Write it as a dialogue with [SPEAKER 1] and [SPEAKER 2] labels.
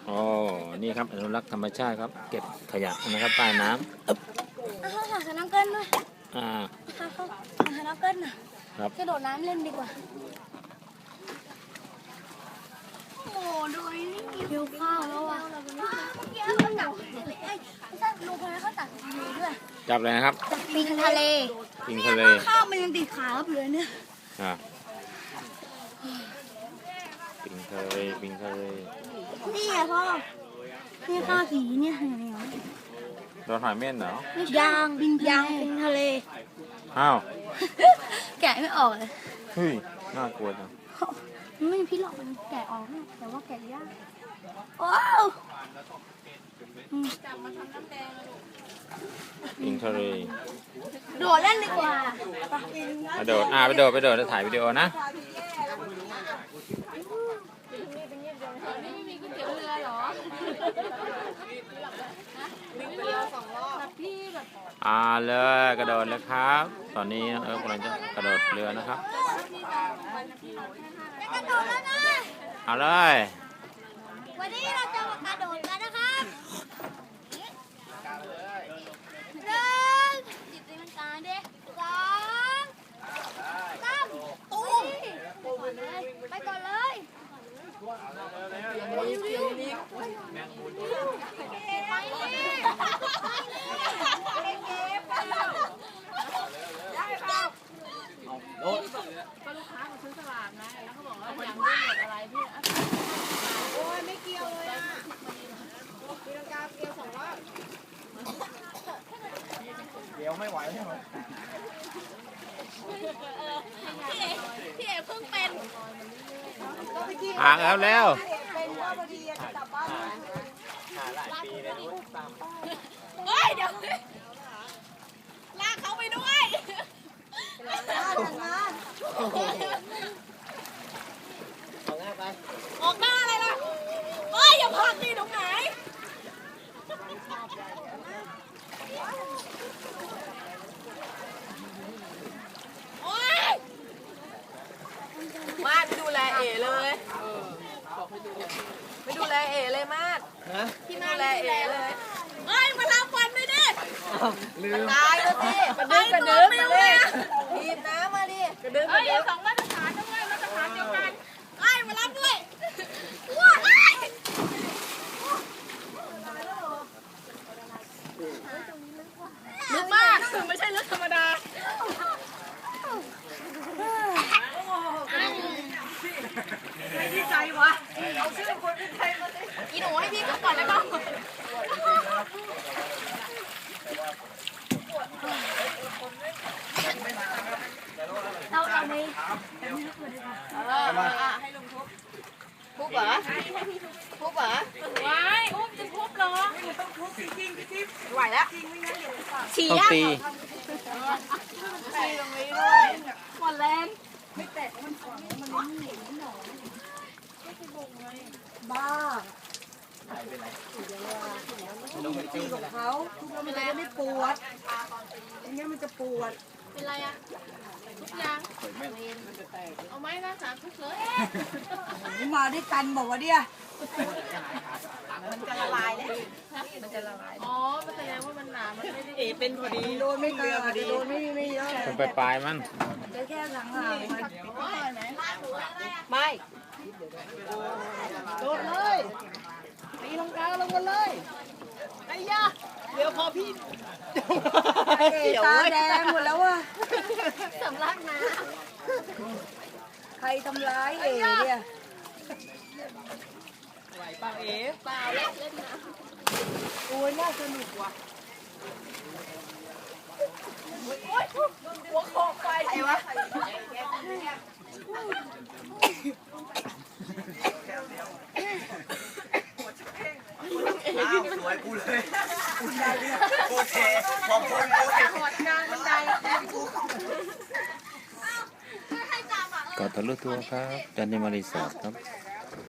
[SPEAKER 1] อ๋อนี่ครับอนุรักษ์ธรรมชาติครับเก็บขยะนะครับใต้น้ำ
[SPEAKER 2] หาสน้ำเกินด้วยหาสน้ำเกินน่ะกระโดดน้ำเล่นดีกว่าโอ้ดูนี่หิวข้าวแล้วอ่ะเมื่อกี้เขาจับไม่ใช่ลุงคนนั้นเขาจับดีด้วย
[SPEAKER 1] จับเลยนะครับ
[SPEAKER 2] จับปิงทะเล
[SPEAKER 1] ปิงทะเล
[SPEAKER 2] ข้าวมันยังติดขาครับเลยเนี่ย
[SPEAKER 1] ปิงทะเลปิงทะเล
[SPEAKER 2] นี่ไงพ่อนี่ข้าวสีเนี่ย
[SPEAKER 1] โดนหอยเม่นเหร
[SPEAKER 2] อยางปิงทะเล
[SPEAKER 1] อ้าว
[SPEAKER 2] แกะไม่ออกเลย
[SPEAKER 1] เฮ้ยน่ากลัวจัง
[SPEAKER 2] ไม่มีพี่หลอกมันแกะออกแต่ว่าแกะยากว้าวจับมาทำน้ำแดง
[SPEAKER 1] ปิงทะเล
[SPEAKER 2] โดดเล่นดีกว่า
[SPEAKER 1] ไปโดดไปโดดจะถ่ายวิดีโอนะ
[SPEAKER 2] ไม่มีก๋วยเตี๋ยวเรือหรอ
[SPEAKER 1] เลยกระโดดเลยครับตอนนี้กำลังจะกระโดดเรือนะครับเอาเลย
[SPEAKER 2] วันนี้เราจะมากระโดดกันนะครับจิตมันกลางดิ2 3ตูมไปก่อนเลย
[SPEAKER 3] ก็ลูกค้ามาซื้อสลากนะแล้วเขาบอกว่าอยากได้หมดอะไรพี่โอ้ยไม่เกี่ยวเลยอ่ะตีลังกาเกี่ยว2 รอบ
[SPEAKER 4] เกี่ยวไม่ไหวใช่ไหม
[SPEAKER 2] พี่เอ๋เพิ่งเป็น
[SPEAKER 1] แล้ว
[SPEAKER 3] เป็นว่าพอดีจะกลับบ้าน
[SPEAKER 4] หาหลายปีเลยนู้นตาม
[SPEAKER 2] เฮ้ยเดี๋ยวลากเขาไปด้วย
[SPEAKER 4] เอาง่ายไป
[SPEAKER 2] ออกหน้าอะไรล่ะเฮ้ยอย่าพักดิตรงไหนโอ๊ย
[SPEAKER 3] มาดไปดูแลเอ๋เลยไปดูแลเอ๋เลยมาดพี่ดูแลเอ๋เลย
[SPEAKER 2] เฮ้ยมาลาฟันไปดิ
[SPEAKER 3] ตายแล้วสิกระดึ๊บมาดิทีบน้ำมาดิกระดึ๊บ
[SPEAKER 2] เฮ้ย2 มาตรฐานด้วยมาตรฐานเดียวกันเฮ้ยมารับด้วยว้าวลึกมากไม่ใช่ลึกธรรมดา
[SPEAKER 3] ไม่ดีใจวะเอาชื่อคนที่ไทยมาดิ
[SPEAKER 2] อีหนูให้พี่ขึ้นก่อนแล้วก็เราเอาไหม
[SPEAKER 3] ให้ลุงทุบเหรอทุบเหรอ
[SPEAKER 2] ไว้อุ้มจะทุบเหรอ
[SPEAKER 3] ต้องทุบจริงไหวแล้ว
[SPEAKER 2] ฉี่
[SPEAKER 1] ต้องตี
[SPEAKER 3] ตรงนี้ด้วย
[SPEAKER 2] หมดแรง
[SPEAKER 3] บ้าตีของเขาทุบแล้วมันจะไม่ปวดอย่างเงี้ยมันจะปวด
[SPEAKER 2] เป็นไรอ่ะทุกอย่างเอาไม้นะ3 ทุกเลย
[SPEAKER 3] มาด้วยกันบอกว่าเนี่ยมันจะละลายเลยมันจะละลาย
[SPEAKER 2] อ๋อมันแสดงว่ามันหนามันไม่ได้
[SPEAKER 3] เป็นพอดีโดนไม่เกินพอดีโดนไม่เยอะ
[SPEAKER 1] เป็นปลายมัน
[SPEAKER 3] จะแค่หลังมันไม่โดนเลยตีลังกาลงกันเลยไอ้ยาเดี๋ยวพอพี่ตาแดงหมดแล้วว่ะ
[SPEAKER 2] สำลักน้
[SPEAKER 3] ำใครทำร้ายเอ๋เนี่ยไหวเปล่าเอ๋
[SPEAKER 2] เปล่าเล่นนะ
[SPEAKER 3] โอ้ยน่าสนุกว่ะหัวโขกไปไอ้วะ
[SPEAKER 4] สวยกูเลยโอเคขอบคุณ
[SPEAKER 3] กอดกลางบันได
[SPEAKER 1] ก็ทะลุทัวร์ครับจันทร์มารีสอร์ทครับ